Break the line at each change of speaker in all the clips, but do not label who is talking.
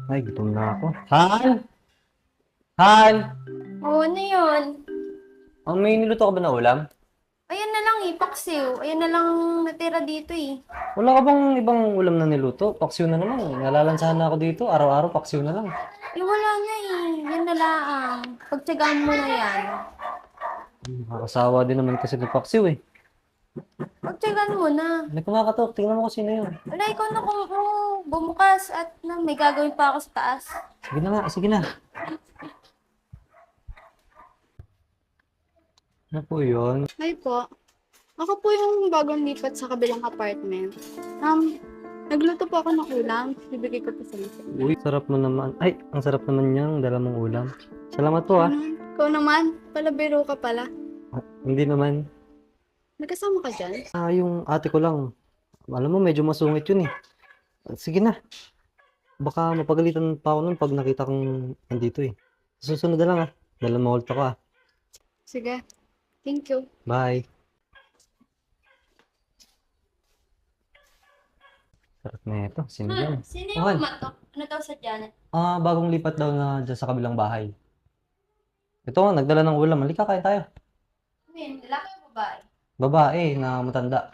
Ay, gutom na ako. Han! Han!
Oo, ano yun?
May niluto ka ba na ulam?
Ayan na lang paksiw. Ayan na lang natira dito
Wala ka bang ibang ulam na niluto? Paksiw na naman. Nalalansahan na ako dito. Araw-araw, paksiw na lang.
Wala na Yan na lang. Pagtsagaan mo na yan.
Nakakasawa din naman kasi ng paksiw eh.
Pagtsagaan mo na.
May kumakatok. Tingnan mo kung sino yun.
Wala, ikaw na kung bumukas at may gagawin pa ako sa taas.
Sige na nga, sige na. Ano po yun?
Hi po. Ako po yung bagong lipat sa kabilang apartment. Nagluto po ako ng ulam. Bibigay ko po sa inyo.
Uy, sarap mo naman. Ay, ang sarap naman niyang dala mong ulam. Salamat po ah.
Ikaw naman, palabiro ka pala.
Hindi naman.
Nagkasama ka dyan?
Yung ate ko lang. Alam mo, medyo masungit yun eh. Sige na. Baka mapagalitan pa ako nun pag nakita kong nandito eh. Susunod na lang ah. Dala maulit ako ah.
Sige. Thank you.
Bye. Sarap na ito. Sino yan?
Sino
yung Okay.
kumatok? Ano daw sa Janet?
Bagong lipat daw na dyan sa kabilang bahay. Ito nga, nagdala ng ulam. Halika, kain tayo.
Ano yun? Lalaki o babae?
Babae na matanda.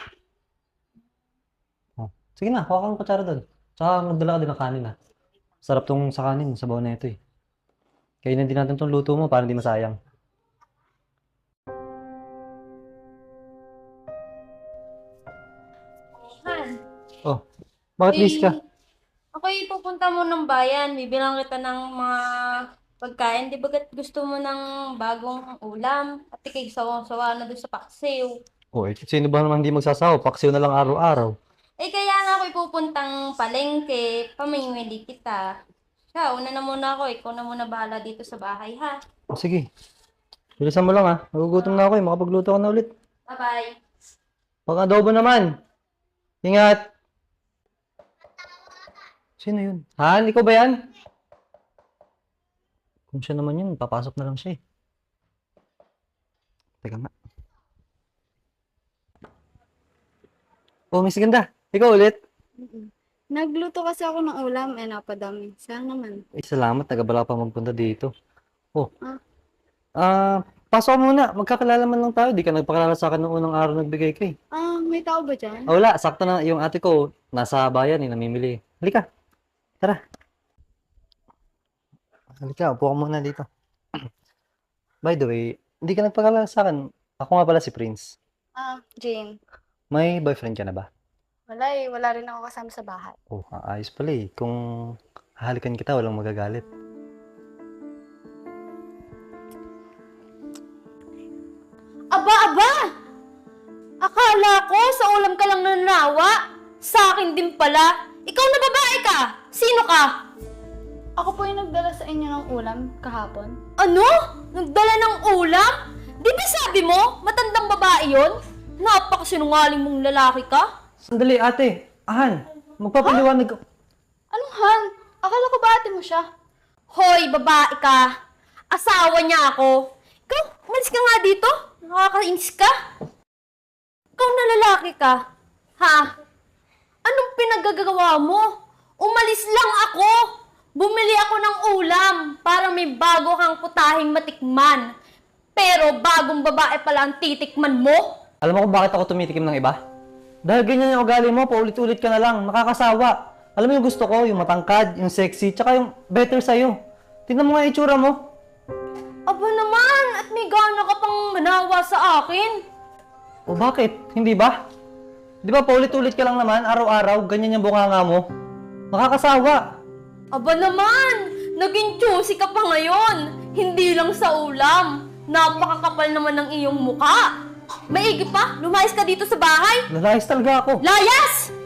Oh. Sige na, kuha kang kutsara doon. Tsaka magdala ka din ng kanin ah. Sarap tong sa kanin, sabaw na ito eh. Kainin din natin tong luto mo para hindi masayang.
Han.
Oh, bakit busy ka?
Ako'y pupunta mo ng bayan. Bibilang kita ng mga pagkain. Di bagat gusto mo ng bagong ulam? At ikay sawang-sawa na doon sa paksiw.
Oh, sino ba naman hindi magsasawa? Paksiw na lang araw-araw.
Kaya nga ako'y pupuntang palengke. Pamimili kita. Siya, una na muna ako. Ikaw na muna bahala dito sa bahay, ha?
Oh, sige. Bilisan mo lang ah. Nagugutom na ako eh. Makapagluto ka na ulit.
Bye-bye.
Pag-adobo naman. Ingat. Sino yun? Han, ikaw ba yan? Kung siya naman yun, papasok na lang siya eh. Teka nga. Oh, Miss Ganda. Ikaw ulit.
Nagluto kasi ako ng ulam, napadami. Sayang naman.
Ay, salamat. Nagabala pa magpunta dito. Oh.
Ah.
Pasok ka muna. Magkakilala man lang tayo. Di ka nagpakilala sa akin noong unang araw nagbigay ka eh.
May tao ba dyan?
Wala. Sakto na yung ate ko. Nasa bayan eh. Namimili. Halika. Tara. Halika. Upo ka muna dito. By the way, hindi ka nagpakilala sa akin. Ako nga pala si Prince.
Jane.
May boyfriend ka na ba?
Wala wala rin ako kasama sa bahay.
Oh, ayos pala eh. Kung hahalikan kita, walang magagalit.
Aba! Akala ko sa ulam ka lang nanawa. Sa akin din pala. Ikaw na babae ka. Sino ka?
Ako po yung nagdala sa inyo ng ulam kahapon.
Ano? Nagdala ng ulam? Di ba sabi mo, matandang babae yon? Napakasinungaling mong lalaki ka?
Sandali, ate. Han, magpapaliwanag ka.
Anong Han? Akala ko ba ate mo siya?
Hoy, babae ka. Asawa niya ako. Ikaw, umalis ka nga dito. Nakakainis ka. Ikaw na lalaki ka. Ha? Anong pinagagawa mo? Umalis lang ako. Bumili ako ng ulam para may bago kang putahing matikman. Pero bagong babae pala ang titikman mo?
Alam mo kung bakit ako tumitikim ng iba? Dahil ganyan yung ugali mo, paulit-ulit ka na lang, nakakasawa. Alam mo yung gusto ko, yung matangkad, yung sexy, tsaka yung better sa'yo. Tingnan mo nga yung itsura mo.
Aba naman, at may gana ka pang manawa sa akin.
O bakit? Hindi ba? Di ba paulit-ulit ka lang naman, araw-araw, ganyan yung bunganga mo? Nakakasawa.
Aba naman, naging juicy ka pa ngayon. Hindi lang sa ulam. Napakakapal naman ng iyong muka. Maigi pa, lumayas ka dito sa bahay.
Nalayas talaga ako.
Layas!